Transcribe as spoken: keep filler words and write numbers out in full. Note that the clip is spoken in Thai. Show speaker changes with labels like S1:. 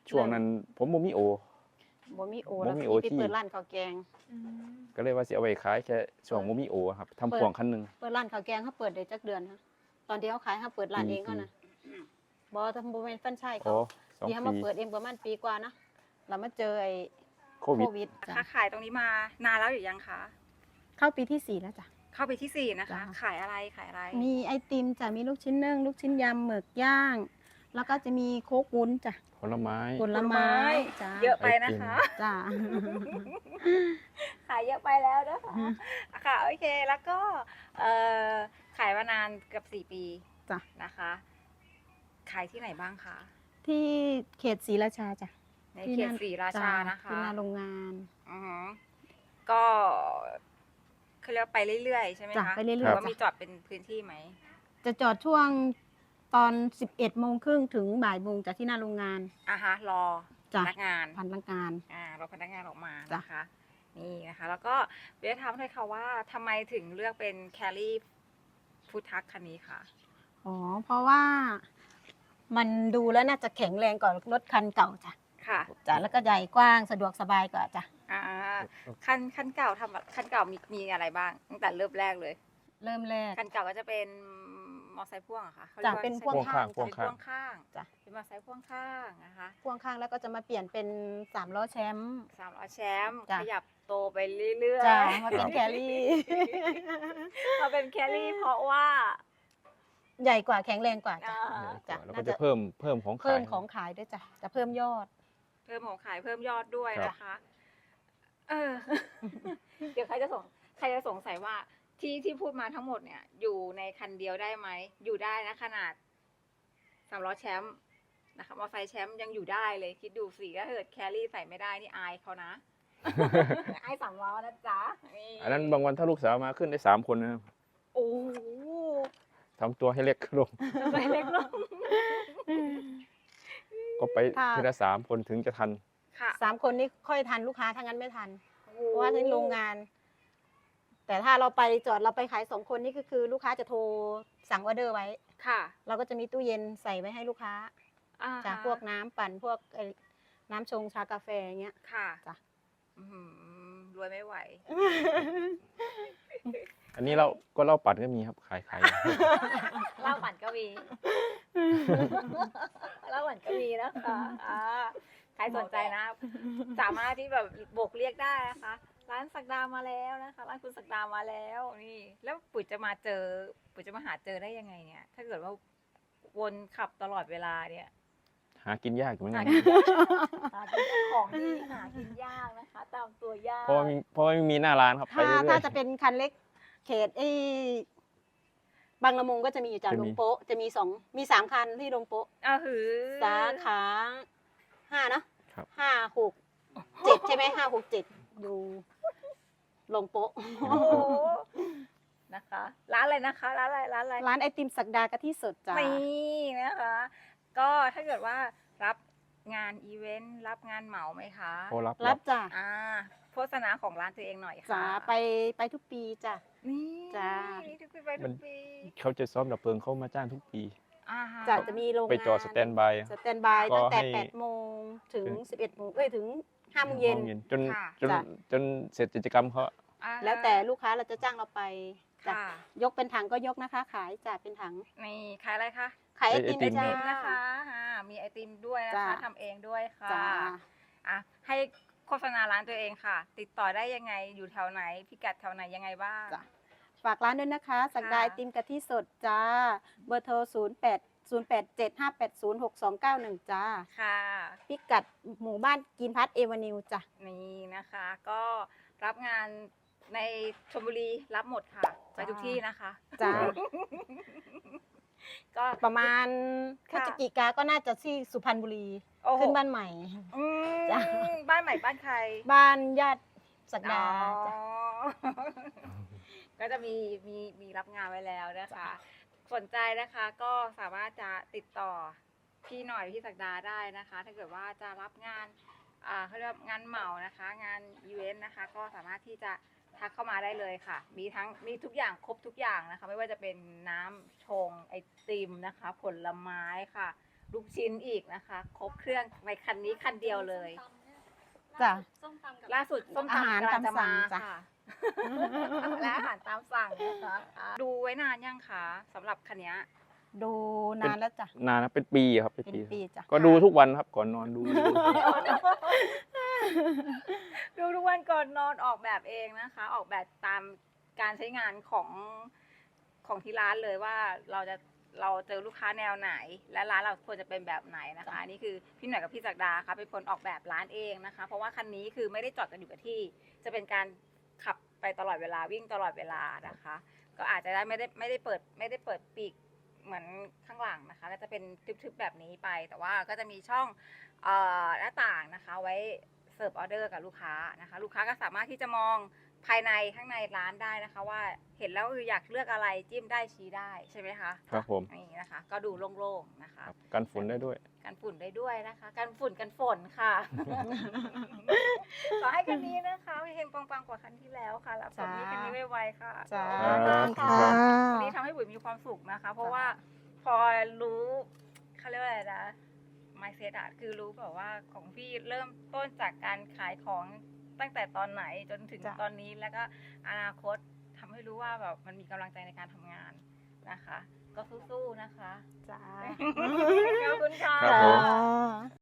S1: ช่วงนั้นผมบ่มีโอ
S2: บ่มีโอ
S1: บ่
S2: แล้ว
S1: มี
S2: พี่
S1: โอ
S2: ไป
S1: ที่
S2: เปิดร้านข้าวแกง
S3: อืม
S1: ก็เลยว่าสิเอาไว้ขายแค่ช่วง
S2: เปิด
S1: บ่มีโอครับทำ
S2: เปิด
S1: พ่วงคันหนึง
S2: เปิดร้านข้าวแกงเขาเปิดได้จักเดือนคะตอนที่เขาขายเขาเปิดร้าน
S1: ปี
S2: เองเขานะบ่ทำบ่แม่นแฟรนไชส์
S1: อ๋
S2: เขา
S1: อสอง
S2: ที่เขา
S1: ปี
S2: มาเปิดเองประมาณปีกว่านะแล้วมาเจอไอ้
S1: โค
S2: โค
S1: วิด
S2: วิดจ้ะ
S3: ค้าขายตรงนี้มานานแล้วหรือยังคะ
S2: เข้าปีที่สี่แล้วจ้ะ
S3: เข้าไปที่สี่นะคะ
S2: จ้ะ
S3: ขายอะไรขายอะไร
S2: มีไอติมจ้ะมีลูกชิ้นนึ่งลูกชิ้นยำหมึกย่าง แล้วก็จะมีโค้กวุ้นจ้ะ
S1: ผลไม้
S2: ผลไม้จ้ะ
S3: เยอะไปนะคะ
S2: จ้ะ
S3: ขายเยอะไปแล้วนะคะค่ะโอเคแล้วก็เอ่อขายมานานเกือบสี่ปี
S2: จ้ะ
S3: นะคะ ขายที่ไหนบ้างคะ
S2: ที่เขตศรีราชาจ้ะ
S3: ใน
S2: ที่
S3: เข
S2: ห
S3: ต
S2: น้า
S3: ศรีราชานะคะ
S2: ที่หน้าโรงงาน
S3: อือหือก็เขาเรียกว่าไปเรื่อยๆใช่ไหม
S2: จ้ะ
S3: คะ
S2: ไปเรื่อยๆ
S3: หรือว่า
S2: จ้ะ
S3: มีจอดเป็นพื้นที่ไหม
S2: จะจอดช่วงตอน สิบเอ็ดโมงครึ่งถึงบ่ายโมงจากที่หน้าโรงงาน
S3: อ่ะฮะรอพ
S2: จ้ะ
S3: นักงาน
S2: พันละงาน
S3: อ่ารอพนักงานออกมา
S2: จ้ะ
S3: นะคะ นี่นะคะ แล้วก็เวียถามเลยค่ะว่าทำไมถึงเลือกเป็นแคลรี่ฟู้ดทักคันนี้คะ
S2: อ๋อ เพราะว่ามันดูแล้วน่าจะแข็งแรงกว่ารถคันเก่าจ้ะ
S3: ค่ะ
S2: จ้ะแล้วก็ใหญ่กว้างสะดวกสบายกว่าจ้ะ
S3: อ่าคันคันเก่าทำคันเก่ามีมีอะไรบ้างตั้งแต่เริ่มแรกเลย
S2: เริ่มแรก
S3: คันเก่าก็จะเป็นมอไซค์พ่วงเหรอะคะขารีย
S2: จ้ะ
S3: กว่า
S2: เป็น
S3: ใช่
S2: พ่วง
S3: ไหม
S2: ข้าง
S1: พ่วง
S3: เป็น
S1: ข้าง
S3: พ่วงข้าง
S2: จ้ะ
S3: เป็นมอไซค์พ่วงข้างนะคะ
S2: พ่วงข้างแล้วก็จะมาเปลี่ยนเป็นสามล้อแชมป์
S3: สามล้อแชมป์
S2: จ้ะ
S3: ขยับโตไปเรื่อยๆ
S2: จ้ะมาเป็นแครี่
S3: มาเป็นแคลรี่เพราะว่า
S2: ใหญ่กว่าแข็งแรงกว่าจ้ะ
S3: อ่า
S2: จ้ะ
S1: แล้ว
S2: น่า
S1: ก็
S2: จะ
S1: จะเพิ่มเพิ่มของขาย
S2: เพิ่มของขายด้วยจ้ะจะเพิ่มยอด
S3: เพิ่มของขายเพิ่มยอดด้วย
S1: ครับ
S3: นะคะ เออ เดี๋ยวใครจะสงใครจะสงสัยว่าที่ที่พูดมาทั้งหมดเนี่ย อยู่ในคันเดียวได้ไหม อยู่ได้นะขนาดสามล้อแชมป์นะคะมอเตอร์ไซค์แชมป์ยังอยู่ได้เลย คิดดูสิถ้าเกิดแคลรี่ใส่ไม่ได้นี่อายเขานะ อายสามล้อนะจ๊ะ
S1: อันนั้นบางวันถ้าลูกสาวมาขึ้นได้สามคนนะครับ
S3: โอ้โห
S1: ทำตัวให้เล็กลง
S3: ทำไมเล็กลง
S1: ก็ไป
S2: ค่ะ
S1: ทีละสามคนถึงจะทัน
S3: ค่ะ
S2: สามคนนี้ค่อยทันลูกค้าถ้างั้นไม่ทัน
S3: โอ้โห
S2: เพราะว่าที่โรงงาน แต่ถ้าเราไปจอดเราไปขายสองคนนี่ก็คือลูกค้าจะโทรสั่งออเดอร์ไว้
S3: ค่ะ
S2: เราก็จะมีตู้เย็นใส่ไว้ให้ลูกค้า
S3: อ่า
S2: จาก
S3: ฮะ
S2: พวกน้ำปั่นพวกไอ้น้ำชงชากาแฟอย่างเงี้ย
S3: ค่ะ
S2: จ้ะ
S3: อื้อหือรวยไม่ไหว
S1: อันนี้เราก็เล่าปัดก็มีครับขายขาย
S3: เหล้าปั่นก็มี เหล้าปั่นก็มีนะคะอ่าใครสนใจนะ สามารถที่แบบโบกเรียกได้นะคะ ร้านสักดามาแล้วนะคะ ร้านคุณสักดามาแล้วนี่ แล้วปุ๋ยจะมาเจอ ปุ๋ยจะมาหาเจอได้ยังไงเนี่ย ถ้าเกิดว่าวนขับตลอดเวลาเนี่ย
S1: หากินยากอยู่เหมือน
S3: หา
S1: กัน
S3: กินยากหากินของที่หากินยากนะคะ ตามตัวยาก
S1: เพราะว่ามีเพราะว่าไม่มีหน้าร้านครับไป
S2: ถ้า
S1: เรื่อยๆ
S2: ถ้าจะเป็นคันเล็กเขตไอ้บางละมุงก็จะมีอยู่จาก
S1: จะ
S2: ล
S1: มี
S2: งโป๊ะจะมีสองมีสามคันที่ลงโป๊ะ
S3: อ่าหือ
S2: สาขาห้าเนอะ
S1: ครับ
S2: ห้าหกเจ็ดใช่ไหมห้าหกเจ็ดอยู่ลงโป๊ะ
S3: โอ้โหนะคะ ร้านอะไรนะคะ ร้านอะไร ร้านอะไร
S2: ร้านไอติมสักดากะทิสดจ้า
S3: นี่นะคะ ก็ถ้าเกิดว่ารับงานอีเวนต์รับงานเหมาไหมคะ
S1: โอ้รับ
S2: รั
S1: รั
S2: บบ จ้า
S3: อ่าโฆษณาของร้านตัวเองหน่อยค่ะ
S2: จ้าไปไปทุกปีจ้า
S3: นี่
S2: จ้า
S3: นี่ทุกปีไปทุกปี
S1: เขาจะซ้อมดับเพลิงเขามาจ้างทุกปี
S3: อ่าฮะ
S2: จะจะมีโรงงาน
S1: ไปจอดสแตนบาย
S2: สแตนบาย
S1: ก็
S2: ตั้งแต่
S1: ให้
S2: แปดโมงถึง
S1: ถึง
S2: สิบเอ็ดโมงเอ้ยถึงห้าโมงเย็น
S1: จน
S3: ค่ะ
S1: จน
S2: จ้ะ
S1: จนเสร็จกิจกรรมเขา
S3: อ่า
S2: แล้วแต่ลูกค้าเราจะจ้างเราไปจ้ะ
S3: ค่ะ
S2: ยกเป็นถังก็ยกนะคะ ขายจ้าเป็นถัง
S3: นี่ขายอะไรคะ
S2: ขายไอติม
S1: ไอติม
S2: จ้า
S3: ไอติมนะคะอ่ามีไอติมด้วยนะคะ
S2: จ้ะ
S3: ทำเองด้วยค่ะ
S2: จ้า
S3: อ่ะให้โฆษณาร้านตัวเองค่ะ ติดต่อได้ยังไงอยู่แถวไหนพิกัดแถวไหนยังไงบ้าง
S2: จ้ะ ฝากร้านด้วยนะคะ สักดาไอติมกะทิสดจ้า เบอร์โทร ศูนย์ แปด ศูนย์ แปด เจ็ด ห้า แปด ศูนย์ หก สอง เก้า หนึ่ง จ้า
S3: ค่ะ
S2: พิกัดหมู่บ้านกินพัทเอวานิวจ้ะ
S3: นี่นะคะ ก็รับงานในชลบุรีรับหมดค่ะ ไปทุกที่นะคะ
S2: จ้า
S3: ก็
S2: ประมาณพฤ
S3: ค่ะ
S2: ศจิกาก็น่าจะที่สุพรรณบุรี
S3: โอ้โห
S2: ขึ้นบ้านใหม่
S3: อืม
S2: จ้ะ
S3: บ้านใหม่บ้านใคร
S2: บ้านญาติสัก
S3: อ๋
S2: ดา
S3: อ
S2: จ้ะ
S3: ก็จะมีมีมีรับงานไว้แล้วนะคะ สนใจนะคะก็สามารถจะติดต่อพี่หน่อยพี่ศักดาได้นะคะ ถ้าเกิดว่าจะรับงานอ่าเขาเรียกว่างานเหมานะคะ งานอีเวนต์นะคะ ก็สามารถที่จะทักเข้ามาได้เลยค่ะ มีทั้งมีทุกอย่างครบทุกอย่างนะคะ ไม่ว่าจะเป็นน้ำชงไอติมนะคะ ผลไม้ค่ะลูกชิ้นอีกนะคะ ครบเครื่องในคันนี้คันเดียวเลย
S2: จ้ะ
S4: ส้มตำกับ
S3: ล่าสุดส้ม
S2: อาหาร
S3: ตำกำลังจะ
S2: ตามสั่
S3: มาง
S2: จ้ะ
S3: ค่ะ และอาหารตามสั่งนะคะดูไว้นานยังคะสำหรับคันเนี้ย
S2: ดูนานแล้วจ้ะ
S1: นานนะเป็นปีครับเป็น
S2: เป็น
S1: ปี
S2: ปีจ้ะ
S1: ก็ดูทุกวันครับก่อนนอนดูดู
S3: ดูทุกวันก่อนนอนออกแบบเองนะคะ ออกแบบตามการใช้งานของของที่ร้านเลยว่าเราจะเราเจอลูกค้าแนวไหน และร้านเราควรจะเป็นแบบไหนนะคะอันนี่คือพี่หน่อยกับพี่ศักดาค่ะเป็นคนออกแบบร้านเองนะคะ เพราะว่าคันนี้คือไม่ได้จอดกันอยู่กับที่ จะเป็นการขับไปตลอดเวลาวิ่งตลอดเวลานะคะ ก็อาจจะได้ไม่ได้ไม่ได้เปิดไม่ได้เปิดปีกเหมือนข้างหลังนะคะก็จะเป็นทึบๆแบบนี้ไป แต่ว่าก็จะมีช่องเอ่อหน้าต่างนะคะไว้เสิร์ฟออเดอร์กับลูกค้านะคะ ลูกค้าก็สามารถที่จะมองภายในข้างในร้านได้นะคะ ว่าเห็นแล้วเอออยากเลือกอะไรจิ้มได้ชี้ได้ใช่ไหมคะ
S1: ครับผม
S3: นี่นะคะ ก็ดูโล่งๆนะคะ
S1: ครับกันฝุ่นได้ด้วย
S3: กันฝุ่นได้ด้วยนะคะกันฝุ่นกันฝนค่ะ ขอให้คันนี้นะคะเฮงปังๆกว่าคันที่แล้วค่ะรับส่งนี้คันนี้ไวๆค่ะ
S2: จ้า
S1: ครับ
S2: ค่ะ
S3: วันนี้ทำให้บุ๋ยมีความสุขนะคะ เพราะว่าพอรู้เขาเรียกว่าอะไรนะ mindset อะคือรู้แบบว่าของพี่เริ่มต้นจากการขายของตั้งแต่ตอนไหนจนถึง
S2: จ้ะ
S3: ตอนนี้แล้วก็อนาคตทำให้รู้ว่าแบบมันมีกำลังใจในการทำงานนะคะ ก็สู้ๆนะคะ
S2: จ้า
S3: ขอบคุณค่ะ
S1: ครับผม
S2: จ้า